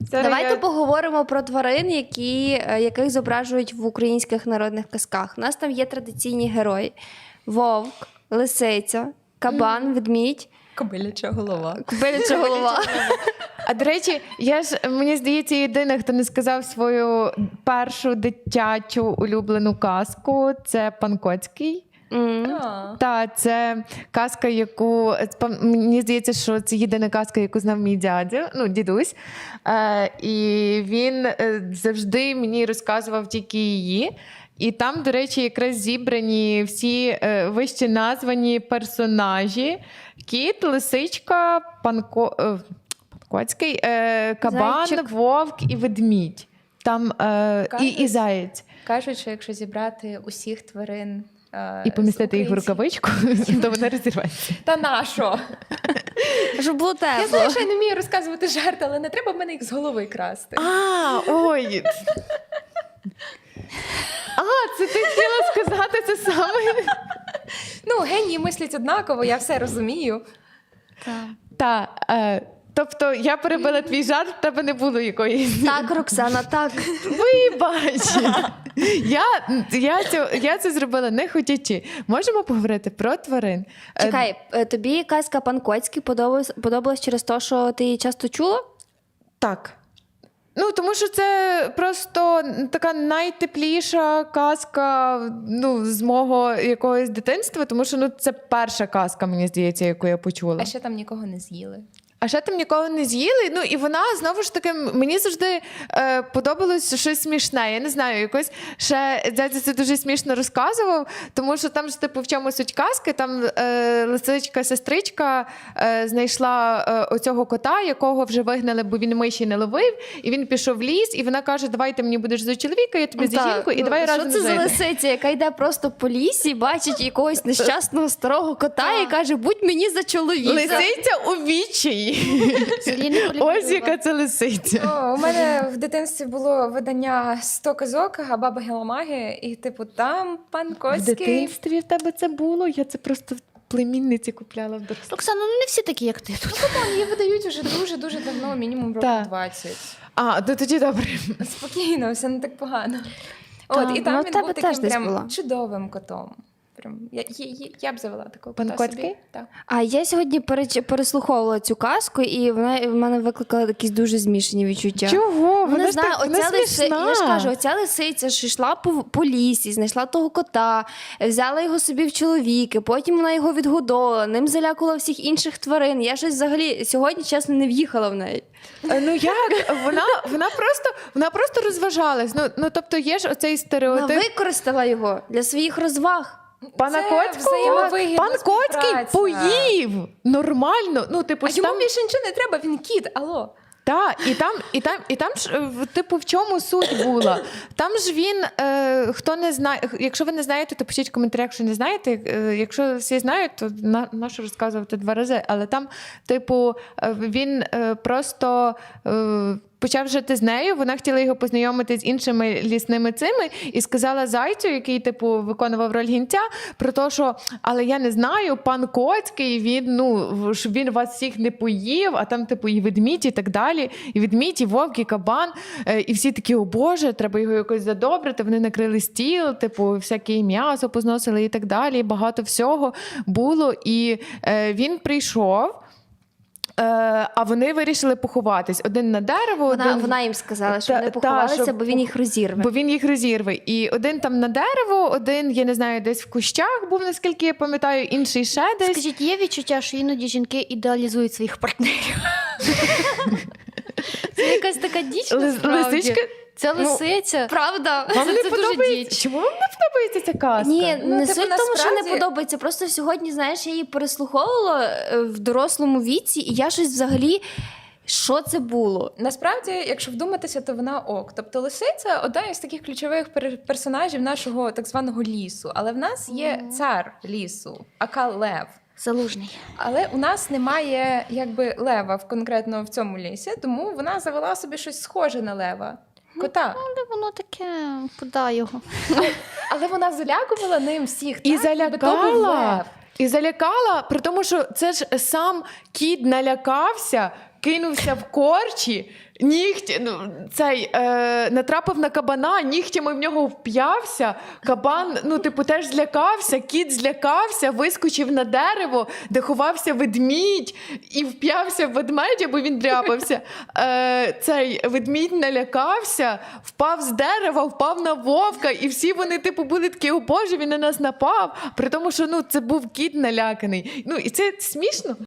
Давайте поговоримо про тварин, яких зображують в українських народних казках. У нас там є традиційні герої. Вовк, лисиця, кабан, ведмідь. Кобиляча голова. Кобиляча голова. А до речі, мені здається, єдина, хто не сказав свою першу дитячу улюблену казку, це пан Коцький. Так, це казка, мені здається, що це єдина казка, яку знав мій дідусь. І він завжди мені розказував тільки її. І там, до речі, якраз зібрані всі вище названі персонажі. Кіт, лисичка, пан Коцький, кабан, зайчик, вовк і ведмідь. Там і заєць. Кажуть, що якщо зібрати усіх тварин і помістити їх в рукавичку, то вона розірветься. Та на що? Щоб було тепло. Я знаю, що я не вмію розказувати жарти, але не треба в мене їх з голови красти. Ой! Це ти хотіла сказати це саме? Генії мислять однаково, я все розумію. Так. Тобто я перебила твій жарт, в тебе не було якоїсь... Так, Роксана, так. Вибач! Я це зробила не хотячи. Можемо поговорити про тварин? Чекай, тобі казка «Пан Коцький» подобалась через те, що ти її часто чула? Так. Тому що це просто така найтепліша казка з мого якогось дитинства, тому що це перша казка, мені здається, яку я почула. А ще там нікого не з'їли. А ще там нікого не з'їли, і вона, знову ж таки, мені завжди подобалось щось смішне. Я не знаю, якось ще дядя це дуже смішно розказував, тому що там ж, в чому суть казки, там лисичка-сестричка знайшла оцього кота, якого вже вигнали, бо він миші не ловив, і він пішов в ліс, і вона каже, давай ти мені будеш за чоловіка, я тобі за жінку, і давай разом жити. Що це за лисиця, яка йде просто по лісі, бачить якогось нещасного старого кота і каже, будь мені за чоловіка. Лисиця у відчаї. Ось яка це лисиця. У мене в дитинстві було видання «100 казок», а баба Геламаги, і там пан Коцький. В дитинстві в тебе це було? Я це просто в племінниці купляла в дорослі. Оксана, не всі такі, як ти тут. Її видають вже дуже-дуже давно, мінімум років 20. Тоді добре. Спокійно, все не так погано. І там він був таким прям чудовим котом. Я б завела такого кота Пан Коцький? Так. А я сьогодні переслуховувала цю казку, і вона в мене викликала якісь дуже змішані відчуття. Чого? Вона смішна. Я ж кажу, оця лисиця ж йшла по лісі, знайшла того кота, взяла його собі в чоловіки, потім вона його відгодовувала, ним залякувала всіх інших тварин. Я щось взагалі сьогодні, чесно, не в'їхала в неї. Як? Вона просто розважалась. Тобто є ж оцей стереотип. Вона використала його для своїх розваг. Пана Коцького? Пан Коцький поїв нормально. А йому більше нічого не треба, він кіт, алло. Так, і там ж, в чому суть була? Там ж він, хто не знає, якщо ви не знаєте, то пишіть в коментарях, якщо не знаєте. Якщо всі знають, то нащо розказувати 2 рази. Але там, він просто почав жити з нею, вона хотіла його познайомити з іншими лісними цими і сказала зайцю, який, виконував роль гінця, про те, що, але я не знаю, пан Коцький, щоб він вас всіх не поїв, а там, і ведмідь, і так далі, і ведмідь, і вовк, і кабан, і всі такі, о Боже, треба його якось задобрити, вони накрили стіл, всяке м'ясо позносили і так далі, і багато всього було, і він прийшов, а вони вирішили поховатись. Один на дерево. Вона їм сказала, що вони поховалися, бо він їх розірве. Бо він їх розірве. І один там на дерево, один, я не знаю, десь в кущах був, наскільки я пам'ятаю, інший ще десь. Скажіть, є відчуття, що іноді жінки ідеалізують своїх партнерів? Це якась така діч, насправді. Це лисиця. Правда. Вам не це подобається? Дуже Чому вам не подобається ця казка? Ні, не суть в тому, що не подобається. Просто сьогодні, знаєш, я її переслуховувала в дорослому віці, і я щось взагалі... Що це було? Насправді, якщо вдуматися, то вона ок. Тобто лисиця – одна із таких ключових персонажів нашого так званого лісу. Але в нас є цар лісу, ака Лев. Залужний. Але у нас немає лева конкретно в цьому лісі, тому вона завела собі щось схоже на лева. Кота. Але воно таке, куди його? Але вона залякувала ним всіх. І залякала. І залякала, при тому, що це ж сам кіт налякався, кинувся в корчі, натрапив на кабана, нігтями в нього вп'явся, кабан, теж злякався, кіт злякався, вискочив на дерево, де ховався ведмідь, і вп'явся в ведмедя, бо він дряпався. Цей ведмідь налякався, впав з дерева, впав на вовка, і всі вони, були такі, о Боже, він на нас напав, при тому, що, це був кіт наляканий. І це смішно.